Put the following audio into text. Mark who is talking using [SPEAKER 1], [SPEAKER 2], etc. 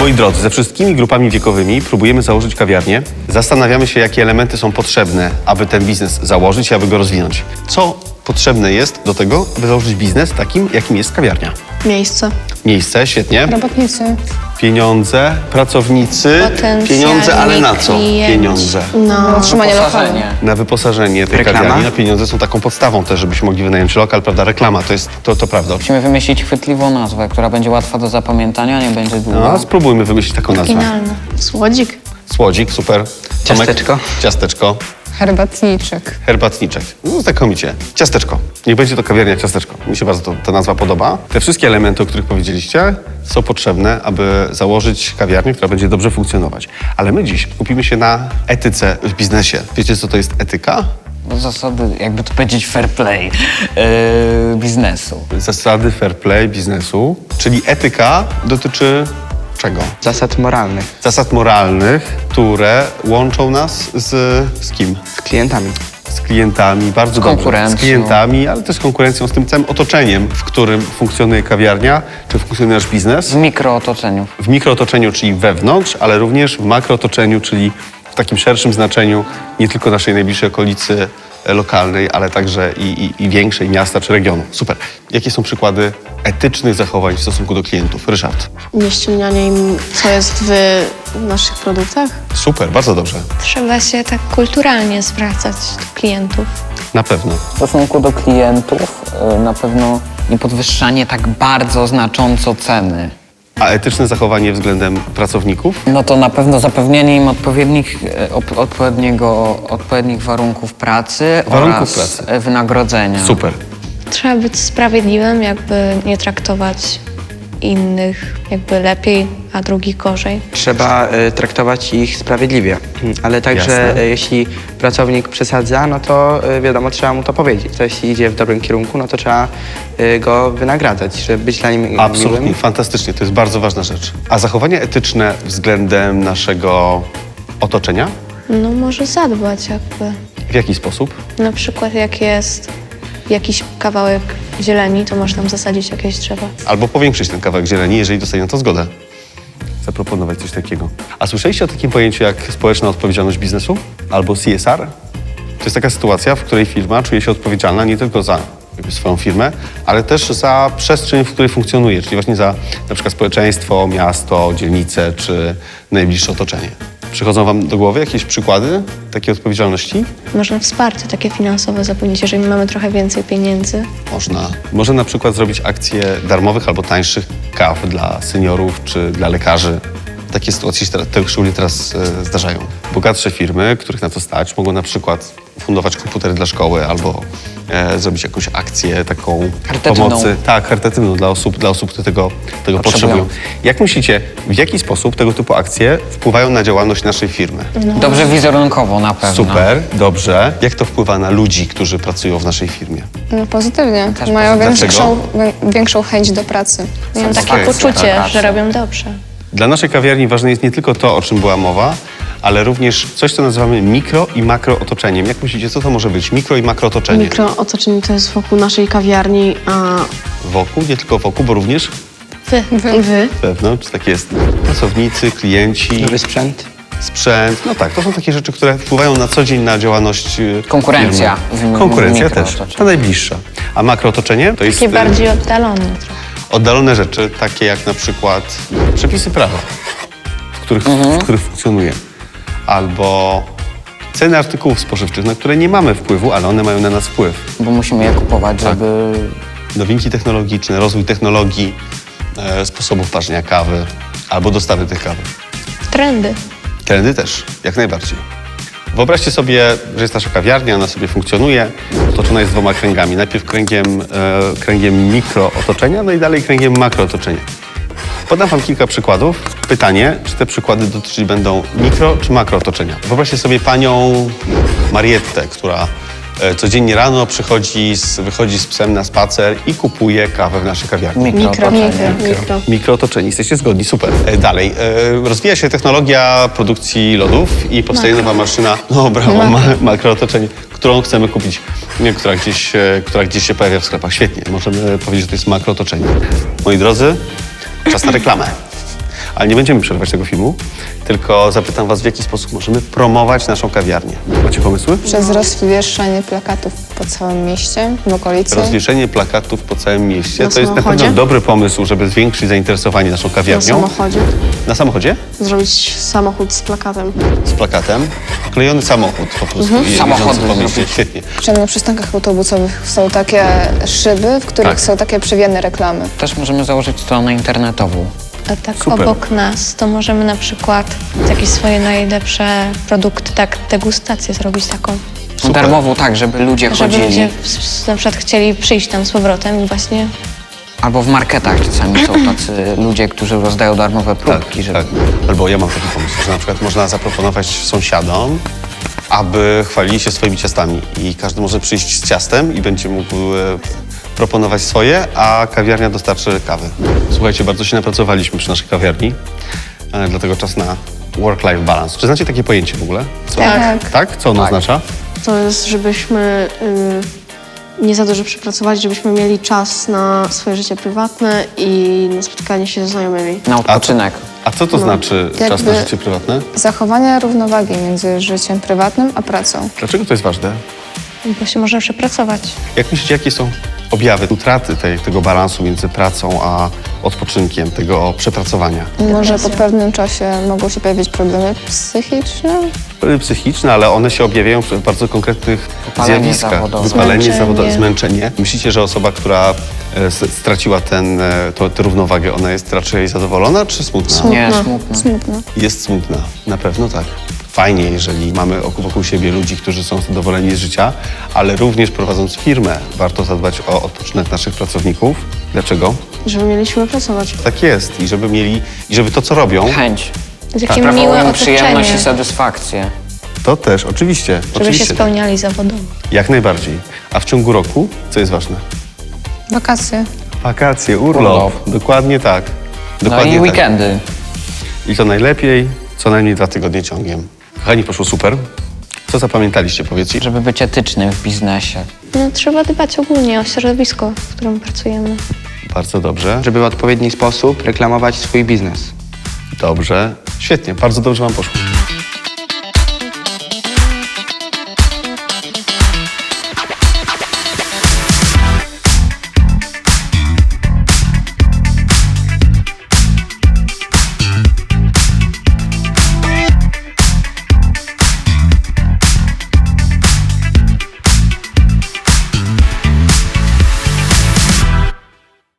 [SPEAKER 1] Moi drodzy, ze wszystkimi grupami wiekowymi próbujemy założyć kawiarnię. Zastanawiamy się, jakie elementy są potrzebne, aby ten biznes założyć i aby go rozwinąć. Co potrzebne jest do tego, by założyć biznes takim, jakim jest kawiarnia?
[SPEAKER 2] Miejsce.
[SPEAKER 1] Miejsce, świetnie.
[SPEAKER 3] Robotnicy.
[SPEAKER 1] Pieniądze, pracownicy.
[SPEAKER 2] Potencjalni
[SPEAKER 1] Pieniądze, ale na co?
[SPEAKER 2] klienci.
[SPEAKER 1] Pieniądze.
[SPEAKER 2] No.
[SPEAKER 3] Utrzymanie lokalu.
[SPEAKER 4] Wyposażenie.
[SPEAKER 1] Na wyposażenie tej
[SPEAKER 5] Reklama?
[SPEAKER 1] kawiarni. No, pieniądze są taką podstawą też, żebyśmy mogli wynająć lokal, prawda? Reklama, to prawda.
[SPEAKER 4] Musimy wymyślić chwytliwą nazwę, która będzie łatwa do zapamiętania, nie będzie długa.
[SPEAKER 1] No, spróbujmy wymyślić taką nazwę.
[SPEAKER 2] Finalne. Słodzik.
[SPEAKER 1] Słodzik, super. Tomek?
[SPEAKER 5] Ciasteczko?
[SPEAKER 1] Ciasteczko.
[SPEAKER 3] Herbatniczek.
[SPEAKER 1] Herbatniczek. No, znakomicie. Ciasteczko. Niech będzie to kawiarnia ciasteczko. Mi się bardzo ta nazwa podoba. Te wszystkie elementy, o których powiedzieliście, są potrzebne, aby założyć kawiarnię, która będzie dobrze funkcjonować. Ale my dziś skupimy się na etyce w biznesie. Wiecie, co to jest etyka?
[SPEAKER 4] Zasady, jakby to powiedzieć, fair play biznesu.
[SPEAKER 1] Zasady fair play biznesu, czyli etyka dotyczy czego?
[SPEAKER 5] Zasad moralnych
[SPEAKER 1] Zasad moralnych, które łączą nas z kim?
[SPEAKER 5] z klientami.
[SPEAKER 1] Z klientami, bardzo dobrze.
[SPEAKER 4] konkurencją.
[SPEAKER 1] Z klientami, ale też z konkurencją, z tym całym otoczeniem, w którym funkcjonuje kawiarnia, czy funkcjonuje nasz biznes.
[SPEAKER 4] W mikrootoczeniu.
[SPEAKER 1] W mikrootoczeniu, czyli wewnątrz, ale również w makrootoczeniu, czyli w takim szerszym znaczeniu nie tylko naszej najbliższej okolicy lokalnej, ale także i większej miasta czy regionu. Super. Jakie są przykłady etycznych zachowań w stosunku do klientów? Ryszard.
[SPEAKER 2] Nie ściemnianie im, co jest w naszych produktach.
[SPEAKER 1] Super, bardzo dobrze.
[SPEAKER 6] Trzeba się tak kulturalnie zwracać do klientów.
[SPEAKER 1] Na pewno.
[SPEAKER 4] W stosunku do klientów na pewno nie podwyższanie tak bardzo znacząco ceny.
[SPEAKER 1] A etyczne zachowanie względem pracowników?
[SPEAKER 4] No to na pewno zapewnienie im odpowiednich warunków pracy
[SPEAKER 1] Warunków
[SPEAKER 4] oraz
[SPEAKER 1] pracy.
[SPEAKER 4] wynagrodzenia.
[SPEAKER 1] Super.
[SPEAKER 6] Trzeba być sprawiedliwym, jakby nie traktować innych jakby lepiej, a drugich gorzej.
[SPEAKER 5] Trzeba traktować ich sprawiedliwie, ale także
[SPEAKER 1] Jasne.
[SPEAKER 5] jeśli pracownik przesadza, no to wiadomo, trzeba mu to powiedzieć. To jeśli idzie w dobrym kierunku, no to trzeba go wynagradzać, żeby być dla nim
[SPEAKER 1] Absolutnie,
[SPEAKER 5] miłym.
[SPEAKER 1] fantastycznie. To jest bardzo ważna rzecz. A zachowania etyczne względem naszego otoczenia?
[SPEAKER 6] No może zadbać jakby.
[SPEAKER 1] W jaki sposób?
[SPEAKER 6] Na przykład jak jest jakiś kawałek zieleni, to można tam zasadzić jakieś drzewa.
[SPEAKER 1] Albo powiększyć ten kawałek zieleni, jeżeli dostanie na to zgodę. Zaproponować coś takiego. A słyszeliście o takim pojęciu jak społeczna odpowiedzialność biznesu? Albo CSR? To jest taka sytuacja, w której firma czuje się odpowiedzialna nie tylko za jakby swoją firmę, ale też za przestrzeń, w której funkcjonuje, czyli właśnie za na przykład społeczeństwo, miasto, dzielnicę czy najbliższe otoczenie. Przychodzą wam do głowy jakieś przykłady takiej odpowiedzialności?
[SPEAKER 6] Można wsparcie takie finansowe zapewnić, jeżeli mamy trochę więcej pieniędzy.
[SPEAKER 1] Można. Może na przykład zrobić akcje darmowych albo tańszych kaw dla seniorów czy dla lekarzy. Takie sytuacje się szczególnie teraz zdarzają. Bogatsze firmy, których na to stać, mogą na przykład fundować komputery dla szkoły albo zrobić jakąś akcję taką
[SPEAKER 4] Charytatywną.
[SPEAKER 1] pomocy. Tak, charytatywną dla osób, które tego potrzebują. Jak myślicie, w jaki sposób tego typu akcje wpływają na działalność naszej firmy?
[SPEAKER 4] Dobrze wizerunkowo na pewno.
[SPEAKER 1] Super, dobrze. Jak to wpływa na ludzi, którzy pracują w naszej firmie?
[SPEAKER 3] No pozytywnie.
[SPEAKER 4] Też
[SPEAKER 3] Mają
[SPEAKER 1] pozytywnie.
[SPEAKER 3] większą chęć do pracy.
[SPEAKER 6] Mają takie
[SPEAKER 1] Okej,
[SPEAKER 6] poczucie,
[SPEAKER 4] tak.
[SPEAKER 6] że robią dobrze.
[SPEAKER 1] Dla naszej kawiarni ważne jest nie tylko to, o czym była mowa, ale również coś, co nazywamy mikro i makro otoczeniem. Jak myślicie, co to może być? Mikro i makro otoczenie.
[SPEAKER 2] Mikrootoczenie to jest wokół naszej kawiarni, a
[SPEAKER 1] Wokół, nie tylko wokół, bo również
[SPEAKER 2] wy.
[SPEAKER 1] wewnątrz, tak jest. Pracownicy, klienci,
[SPEAKER 5] Nowy sprzęt.
[SPEAKER 1] sprzęt. No tak, to są takie rzeczy, które wpływają na co dzień na działalność
[SPEAKER 4] Konkurencja.
[SPEAKER 1] firmy. Konkurencja też,
[SPEAKER 4] Mikrootoczenie.
[SPEAKER 1] ta najbliższa. A makro otoczenie to jest
[SPEAKER 6] Takie bardziej oddalone trochę.
[SPEAKER 1] oddalone rzeczy, takie jak na przykład przepisy prawa, w których funkcjonuje. Albo ceny artykułów spożywczych, na które nie mamy wpływu, ale one mają na nas wpływ.
[SPEAKER 4] Bo musimy je kupować, żeby...
[SPEAKER 1] Nowinki technologiczne, rozwój technologii, sposobów parzenia kawy albo dostawy tych kawy.
[SPEAKER 6] Trendy.
[SPEAKER 1] Trendy też, jak najbardziej. Wyobraźcie sobie, że jest nasza kawiarnia, ona sobie funkcjonuje, otoczona jest dwoma kręgami. Najpierw kręgiem mikrootoczenia, no i dalej kręgiem makrootoczenia. Podam wam kilka przykładów. Pytanie, czy te przykłady dotyczyć będą mikro czy makrootoczenia. Wyobraźcie sobie panią Mariettę, która codziennie rano wychodzi z psem na spacer i kupuje kawę w naszej kawiarni.
[SPEAKER 4] Mikrootoczenie.
[SPEAKER 1] Mikrootoczenie. Jesteście zgodni? Super. Dalej. Rozwija się technologia produkcji lodów i powstaje nowa maszyna, no brawo, makrootoczenie, którą chcemy kupić, która gdzieś się pojawia w sklepach. Świetnie. Możemy powiedzieć, że to jest makrootoczenie. Moi drodzy, czas na reklamę. Ale nie będziemy przerywać tego filmu, tylko zapytam was, w jaki sposób możemy promować naszą kawiarnię. Macie pomysły?
[SPEAKER 3] Przez rozwieszanie plakatów po całym mieście, w okolicy.
[SPEAKER 1] Rozwieszenie plakatów po całym mieście.
[SPEAKER 2] Na
[SPEAKER 1] To jest na
[SPEAKER 2] samochodzie?
[SPEAKER 1] pewno dobry pomysł, żeby zwiększyć zainteresowanie naszą
[SPEAKER 2] Na
[SPEAKER 1] kawiarnią.
[SPEAKER 2] samochodzie.
[SPEAKER 1] Na samochodzie?
[SPEAKER 2] Zrobić samochód z plakatem.
[SPEAKER 1] Z plakatem. Wklejony samochód po prostu.
[SPEAKER 4] Samochody
[SPEAKER 1] jeżdżący po mieście.
[SPEAKER 4] zrobić.
[SPEAKER 1] Świetnie.
[SPEAKER 3] Wszędzie na przystankach autobusowych są takie szyby, w których
[SPEAKER 1] Tak.
[SPEAKER 3] są takie przewienne reklamy.
[SPEAKER 4] Też możemy założyć stronę internetową.
[SPEAKER 6] A tak
[SPEAKER 1] Super.
[SPEAKER 6] obok nas, to możemy na przykład jakieś swoje najlepsze produkty, tak degustację zrobić taką.
[SPEAKER 1] Super.
[SPEAKER 4] Darmową tak, żeby ludzie
[SPEAKER 6] Żeby
[SPEAKER 4] chodzili.
[SPEAKER 6] ludzie na przykład chcieli przyjść tam z powrotem i właśnie
[SPEAKER 4] Albo w marketach czasami są tacy ludzie, którzy rozdają darmowe próbki, żeby...
[SPEAKER 1] Tak. Albo ja mam taki pomysł, że na przykład można zaproponować sąsiadom, aby chwalili się swoimi ciastami i każdy może przyjść z ciastem i będzie mógł proponować swoje, a kawiarnia dostarczy kawy. Słuchajcie, bardzo się napracowaliśmy przy naszej kawiarni, dlatego czas na work-life balance. Czy znacie takie pojęcie w ogóle? Co?
[SPEAKER 3] Tak.
[SPEAKER 1] Tak? Co ono oznacza?
[SPEAKER 2] To jest, żebyśmy nie za dużo przepracowali, żebyśmy mieli czas na swoje życie prywatne i na spotkanie się ze znajomymi.
[SPEAKER 4] Na odpoczynek.
[SPEAKER 1] A co to znaczy czas na
[SPEAKER 3] jakby-
[SPEAKER 1] życie prywatne?
[SPEAKER 3] Zachowanie równowagi między życiem prywatnym a pracą.
[SPEAKER 1] Dlaczego to jest ważne?
[SPEAKER 6] bo się może przepracować.
[SPEAKER 1] Jak myślicie, jakie są objawy utraty tego balansu między pracą a odpoczynkiem, tego przepracowania?
[SPEAKER 3] Może po pewnym czasie mogą się pojawić problemy psychiczne.
[SPEAKER 1] Psychiczne, ale one się objawiają w bardzo konkretnych
[SPEAKER 4] Wypalenie
[SPEAKER 1] zjawiskach.
[SPEAKER 4] zawodowe.
[SPEAKER 1] Wypalenie
[SPEAKER 6] Zmęczenie.
[SPEAKER 1] zawodowe, zmęczenie. Myślicie, że osoba, która straciła tę równowagę, ona jest raczej zadowolona czy smutna?
[SPEAKER 4] Nie, smutno.
[SPEAKER 3] Smutno.
[SPEAKER 1] Jest smutna, na pewno tak. Fajnie, jeżeli mamy wokół siebie ludzi, którzy są zadowoleni z życia, ale również prowadząc firmę, warto zadbać o odpoczynek naszych pracowników. Dlaczego?
[SPEAKER 2] Żeby mieliśmy pracować.
[SPEAKER 1] Tak jest. I żeby to, co robią,
[SPEAKER 4] Chęć.
[SPEAKER 6] Takie miłe
[SPEAKER 4] Sprawia im przyjemność i
[SPEAKER 6] otoczenie,
[SPEAKER 4] satysfakcję.
[SPEAKER 1] to też, oczywiście.
[SPEAKER 6] żeby się
[SPEAKER 1] oczywiście.
[SPEAKER 6] spełniali zawodowo.
[SPEAKER 1] Jak najbardziej. A w ciągu roku, co jest ważne?
[SPEAKER 3] Wakacje.
[SPEAKER 1] Wakacje, urlop.
[SPEAKER 4] Urlop.
[SPEAKER 1] Dokładnie tak.
[SPEAKER 4] No
[SPEAKER 1] Dokładnie
[SPEAKER 4] i
[SPEAKER 1] tak.
[SPEAKER 4] weekendy.
[SPEAKER 1] I to najlepiej co najmniej 2 tygodnie ciągiem. Kochani, poszło super. Co zapamiętaliście, powiedzcie?
[SPEAKER 4] Żeby być etycznym w biznesie.
[SPEAKER 6] No, trzeba dbać ogólnie o środowisko, w którym pracujemy.
[SPEAKER 1] Bardzo dobrze.
[SPEAKER 5] Żeby w odpowiedni sposób reklamować swój biznes.
[SPEAKER 1] Dobrze. Świetnie, bardzo dobrze wam poszło.